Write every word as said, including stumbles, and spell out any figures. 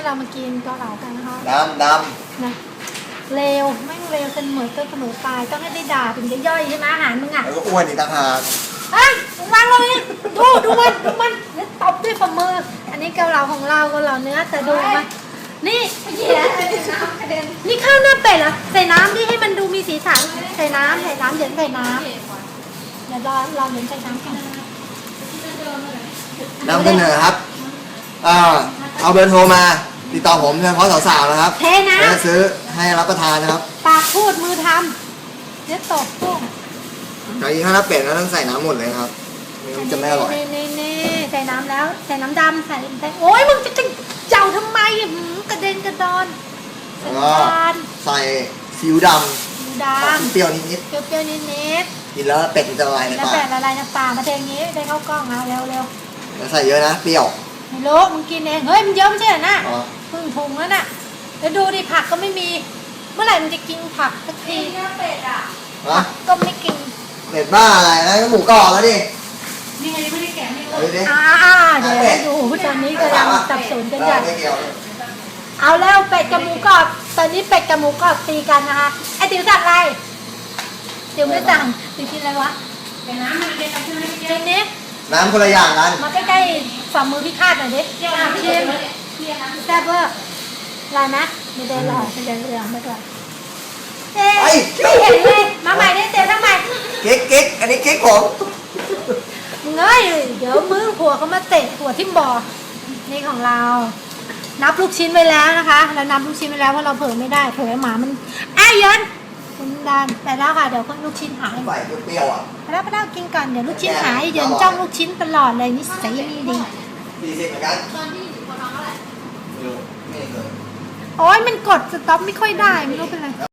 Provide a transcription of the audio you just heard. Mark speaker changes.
Speaker 1: เรามากินเกาเหลากันนะคะ
Speaker 2: ดำด
Speaker 1: ำนะเร็วไม่เร็วเสมอต้นเสมอปลายต้องให้ได้ด่าถึงจะย่อยใช่ไหมอาหารมึงอ่ะ
Speaker 2: ำแล้วก็อ้วนอีกต่างหาก
Speaker 1: เฮ้ยมึงวางเลยดูดูมันดูมันแล้วตบด้วยฝ่ามือ อันนี้เกาเหลาของเราเกาเหลาเนื้อแต่ดูมันนี่เหี้ยนี่ข้าวหน้าเป็ดเหรอใส่น้ำดิให้มันดูมีสีสันใส่น้ำใส่น้ำเดี๋ยวใส่น้ำเดี๋ยวรอรอเดี๋ยวใส่น้ำก่อน
Speaker 2: นำเสนอครับอ่าเอาเบอร์โทรมาติดต่อผมเฉพาะสาวๆนะครับ
Speaker 1: เทน้
Speaker 2: จะซื้อให้รับประทานนะครับ
Speaker 1: ำปากพูดมือทำเดี๋ยวตบปุ้ง
Speaker 2: แต่อีกถ้าน้ำเป็ดแล้วต้องใส่น้ำหมดเลยครับไม่งั้นจะไม่อร่อย
Speaker 1: นี่นี่นี่ใส่น้ำแล้วใส่น้ำดำใส่ใส่โอ้ยมึงจะจะเจ้าทำไมหืมกระเด็นกระดอนใส่
Speaker 2: แล้วก็
Speaker 1: น้ำตาล
Speaker 2: ใส่ซีอิ๊วด
Speaker 1: หมูด
Speaker 2: ำออก
Speaker 1: ำ
Speaker 2: เปรี้ยวนิด
Speaker 1: เปรี้ยวๆนิด
Speaker 2: ๆกินแล้วเป็ดมันจะละลาย
Speaker 1: ๆ
Speaker 2: ใน
Speaker 1: แล้ว
Speaker 2: ปาก
Speaker 1: แต่ละลายน้ำปลามาเทอย่างนี้ได้เข้ากล้องเอาเร็วเร็ว
Speaker 2: แล้วใส่เยอะนะเปรี้ยว
Speaker 1: ๆไม่รู้มึงกินเองเฮ้ยมันเยอะไม่ใช่เหรอน่ะ
Speaker 2: อ๋อ
Speaker 1: ครึ่งถุงแล้วน่ะแล้วดูดิผักก็ไม่มี เมื่อไหร่มันจะกินผักสักที
Speaker 2: ฮะ
Speaker 1: ก็ไม่กิน
Speaker 2: เป็ดบ้าอะไรนะก็หมูกรอบแล้วดิ
Speaker 1: นี่ไงไม่ได้แกะไม่
Speaker 2: เอาดิ
Speaker 1: อ่าๆเดี๋ยวให้ดูตอนนี้กำลังสับสนกันใหญ่
Speaker 2: ไม่เกี่ยว
Speaker 1: เอาแล้วเป็ดกับหมูกรอบตอนนี้เป็ดกับหมูกรอบตีกันนะคะไอติ๋วสั่งอะไรติ๋วไม่สั่งติ๋วกินอะไรวะเดี๋ยวน้ำมันเป็นอะไรใช่ไหมกินนี้
Speaker 2: น้ำคนละอย่างกัน
Speaker 1: มาใกล้ๆฝ่ามือพี่คาดหน่อยดิอ่ะชิมแซ่บเวอร์ลายไหมไม่ได้หรอกไม่ได้เรื่องไม่ได้เอ๊ะไม่เห็นเลยมาใหม่ได้เต็มทั้งใหม่
Speaker 2: เก๊กเก๊กอันนี้เก๊กผม
Speaker 1: มึงเอ้ยเดี๋ยวมือผัวเขามาเตะหัวทิ่มบ่อนี่ของเรา นับลูกชิ้นไว้แล้วนะคะเรานับลูกชิ้นไว้แล้วเพราะเราเผลอไม่ได้เผลอหมามันอ้ายเยินคุณดานไปแล้วค่ะเดี๋ยวลูกชิ้นหาย
Speaker 2: ใส่เปรี้ยวๆอ่ะ
Speaker 1: ไปแล้วไปแล้วกินก่อนเดี๋ยวลูกชิ้นหายเยินจ้องลูกชิ้นตลอดเลยนิสัยไม่ดี
Speaker 2: สี่สิบเหมือนกัน
Speaker 1: ตอนที่อยู่คนท้องเท่าไหร่
Speaker 2: ไม่รู้ไม่เคย
Speaker 1: โอ้ยมันกดสต็อปไม่ค่อยได้ไม่รู้เป็นไร